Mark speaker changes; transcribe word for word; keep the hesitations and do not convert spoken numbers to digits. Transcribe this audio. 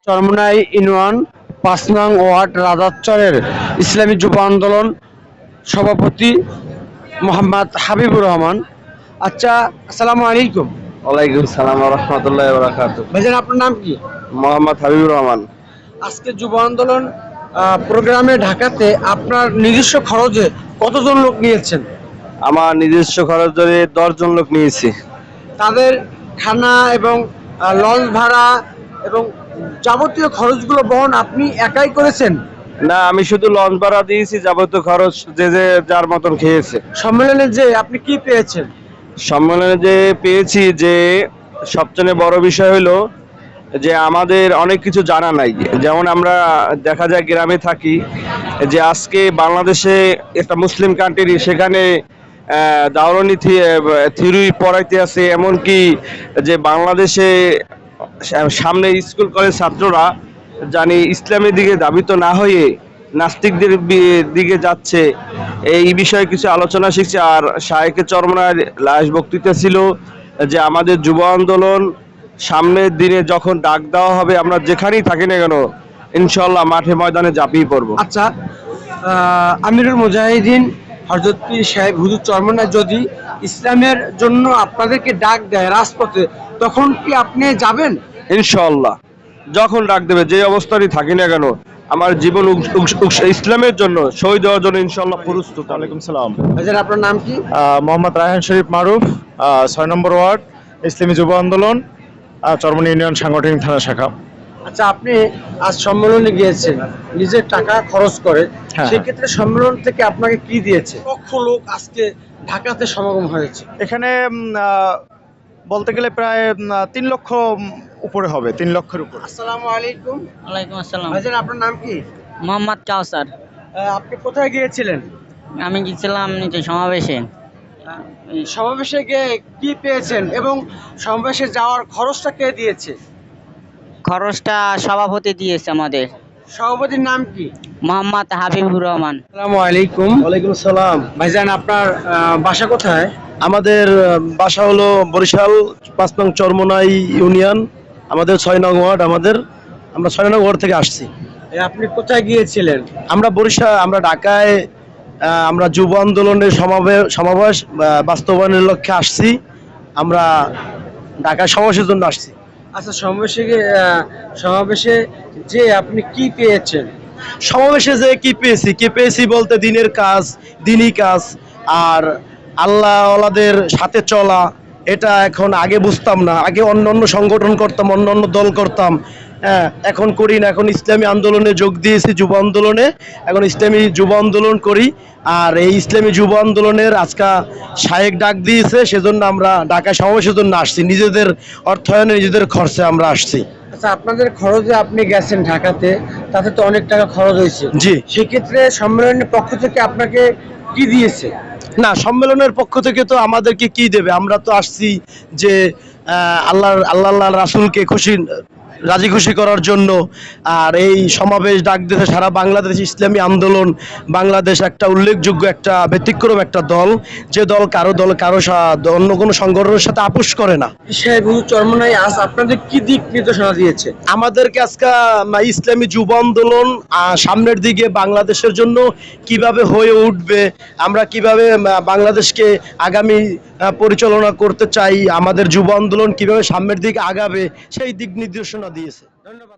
Speaker 1: Charmonai union পাঁচ নং word রাজারচরের ইসলামী যুব আন্দোলন সভাপতি মোহাম্মদ হাবিবুর রহমান। আচ্ছা, আসসালামু আলাইকুম।
Speaker 2: ওয়ালাইকুম সালাম ওয়া রাহমাতুল্লাহি ওয়া বারাকাতুহু।
Speaker 1: ভাইজান, আপনার নাম কি?
Speaker 2: মোহাম্মদ হাবিবুর রহমান।
Speaker 1: আজকে যুব আন্দোলন আহ, প্রোগ্রামে ঢাকাতে আপনার নিজস্ব খরচে কতজন লোক নিয়েছেন?
Speaker 2: আমার নিজস্ব খরচ ধরে দশ জন লোক নিয়েছি।
Speaker 1: তাদের খানা এবং আহ, লঞ্চ ভাড়া এবং যাবতীয় খরচগুলো বহন আপনি একাই করেছেন?
Speaker 2: না, আমি শুধু লঞ্চ ভাড়া দিয়েছি, যাবতীয় খরচ যে যে যার মতন খেয়েছে।
Speaker 1: সম্মেলনে যে আপনি কি পেয়েছেন?
Speaker 2: সম্মেলনে যে পেয়েছি, যে সবচেয়ে বড় বিষয় হলো যে আমাদের অনেক কিছু জানা নাই। যেমন আমরা দেখা যায় গ্রামে থাকি, যে আজকে বাংলাদেশে একটা মুসলিম কান্ট্রি, সেখানে দাওরানি থিওরি পড়াইতে আছে, এমনকি যে বাংলাদেশে সামনে স্কুল কলেজ ছাত্ররা জানি ইসলামের দিকে ধাবিত না হয়ে নাস্তিকদের দিকে যাচ্ছে। এই বিষয়ে কিছু আলোচনা শিখছে। আর শায়েখে চরমোনাইর লাশ বক্তৃতা ছিল যে আমাদের যুব আন্দোলন সামনের দিনে যখন ডাক দেওয়া হবে, আমরা যেখানেই থাকি না কেন ইনশাল্লাহ মাঠে ময়দানে ঝাঁপিয়ে পড়বো।
Speaker 1: আচ্ছা, আহ, আমিরুল মুজাহিদিন হযরত পীর সাহেব হুজুর চরমোনাই যদি ইসলামের জন্য আপনাদেরকে ডাক দেয় রাজপথে, তখন কি আপনি যাবেন?
Speaker 2: ইনশাল্লাহ, যখন ডাক দেবে, যে অবস্থারই থাকি না কেন, আমার জীবন উৎস- উৎস- উৎস- ইসলামের জন্য শহীদ হওয়ার জন্য ইনশাল্লাহ প্রস্তুত।
Speaker 3: ওয়ালাইকুম সালাম।
Speaker 1: ভাইজান, আপনার নাম কি?
Speaker 3: আহ, মোহাম্মদ রায়হান শরীফ মারুফ, আহ, ছয় নম্বর ওয়ার্ড, ইসলামী যুব আন্দোলন, আহ, চরমোনাই ইউনিয়ন সাংগঠনিক থানা শাখা।
Speaker 1: আচ্ছা, আপনি আজ সম্মেলনে গিয়েছেন নিজের টাকা খরচ করে,
Speaker 3: হ্যাঁ।
Speaker 1: সেক্ষেত্রে সম্মেলন থেকে আপনাকে কি দিয়েছে? লক্ষ লোক আজকে ঢাকাতে সমাগম হয়েছে।
Speaker 3: এখানে উম, আহ, বলতে গেলে প্রায় উম, আহ, তিন লক্ষ উম, উপরে হবে, তিন লক্ষের উপরে।
Speaker 1: আসসালামু আলাইকুম।
Speaker 4: ওয়ালাইকুম আসসালাম।
Speaker 1: ভাইজান, আপনার নাম কি?
Speaker 4: মোহাম্মদ কাউসার।
Speaker 1: আহ, আপনি কোথায় গিয়েছিলেন?
Speaker 4: আমি গেছিলাম নিচে সমাবেশে।
Speaker 1: সমাবেশে গিয়ে কি পেয়েছেন এবং সমাবেশে যাওয়ার খরচটা কে দিয়েছে?
Speaker 4: খরচটা সভাপতি দিয়েছে আমাদের,
Speaker 1: সভাপতির নাম কি?
Speaker 4: মোহাম্মদ হাবিবুর রহমান।
Speaker 1: আসসালামু আলাইকুম।
Speaker 2: ওয়ালাইকুম সালাম।
Speaker 1: ভাইজান, আপনার আহ, বাসা কোথায়?
Speaker 2: আমাদের বাসা হলো বরিশাল পাঁচ নং চরমোনাই ইউনিয়ন, আমাদের ছয় নং ওয়ার্ড। আমাদের আমরা ছয় নং ওয়ার্ড থেকে আসছি।
Speaker 1: এ, আপনি কোথায় গিয়েছিলেন?
Speaker 2: আমরা বরিশাল, আমরা ঢাকায় আহ, আমরা যুব আন্দোলনের সমাবেশ সমাবেশ আহ, বাস্তবায়নের লক্ষ্যে আসছি। আমরা ঢাকায় সমাবেশের জন্য আসছি।
Speaker 1: আচ্ছা, সমাবেশে গিয়ে, আহ, সমাবেশে যে আপনি কি পেয়েছেন?
Speaker 2: সমাবেশে যে কি পেয়েছি, কি পেয়েছি বলতে দিনের কাজ, দিনই কাজ, আর আল্লাহ ওয়ালাদের সাথে চলা। এটা এখন আগে বুঝতাম না, আগে অন্য অন্য সংগঠন করতাম, অন্য অন্য দল করতাম, হ্যাঁ, এখন করি না। এখন ইসলামী আন্দোলনে যোগ দিয়েছি, যুব আন্দোলনে, এখন ইসলামী যুব আন্দোলন করি। আর এই ইসলামী যুব আন্দোলনের আজকে শায়েক ডাক দিয়েছে, সেজন্য আমরা ঢাকায় সমাবেশের জন্য আসছি। নিজেদের অর্থায়নে, নিজেদের খরচে আমরা আসছি।
Speaker 1: আচ্ছা, আপনাদের খরচে আপনি গেছেন ঢাকাতে, তাতে তো অনেক টাকা খরচ হয়েছে।
Speaker 2: জি।
Speaker 1: সেক্ষেত্রে সম্মেলনের পক্ষ থেকে আপনাকে কি দিয়েছে?
Speaker 2: না, সম্মেলনের পক্ষ থেকে তো আমাদেরকে কি দেবে? আমরা তো আসছি যে আহ, আল্লাহর আল্লাহ আল্লাহ রাসূলকে খুশি রাজি খুশি করার জন্য। আর এই সমাবেশ ডাক দিয়েছে সারা বাংলাদেশ ইসলামী আন্দোলন। বাংলাদেশ একটা উল্লেখযোগ্য, একটা ব্যতিক্রম একটা দল, যে দল কারো দল কারো সা- অন্য কোনো সংগঠনের সাথে আপোষ করে না।
Speaker 1: সাহেব হুজুর চরমোনাই আজ আপনাদের কি দিক নির্দেশনা দিয়েছে?
Speaker 2: আমাদেরকে আজকে ইসলামী যুব আন্দোলন আহ, সামনের দিকে বাংলাদেশের জন্য কিভাবে হয়ে উঠবে, আমরা কিভাবে আহ, বাংলাদেশকে আগামী আহ, পরিচালনা করতে চাই, আমাদের যুব আন্দোলন কিভাবে সামনের দিকে আগাবে, সেই দিক নির্দেশনা দিয়েছে।
Speaker 1: ধন্যবাদ।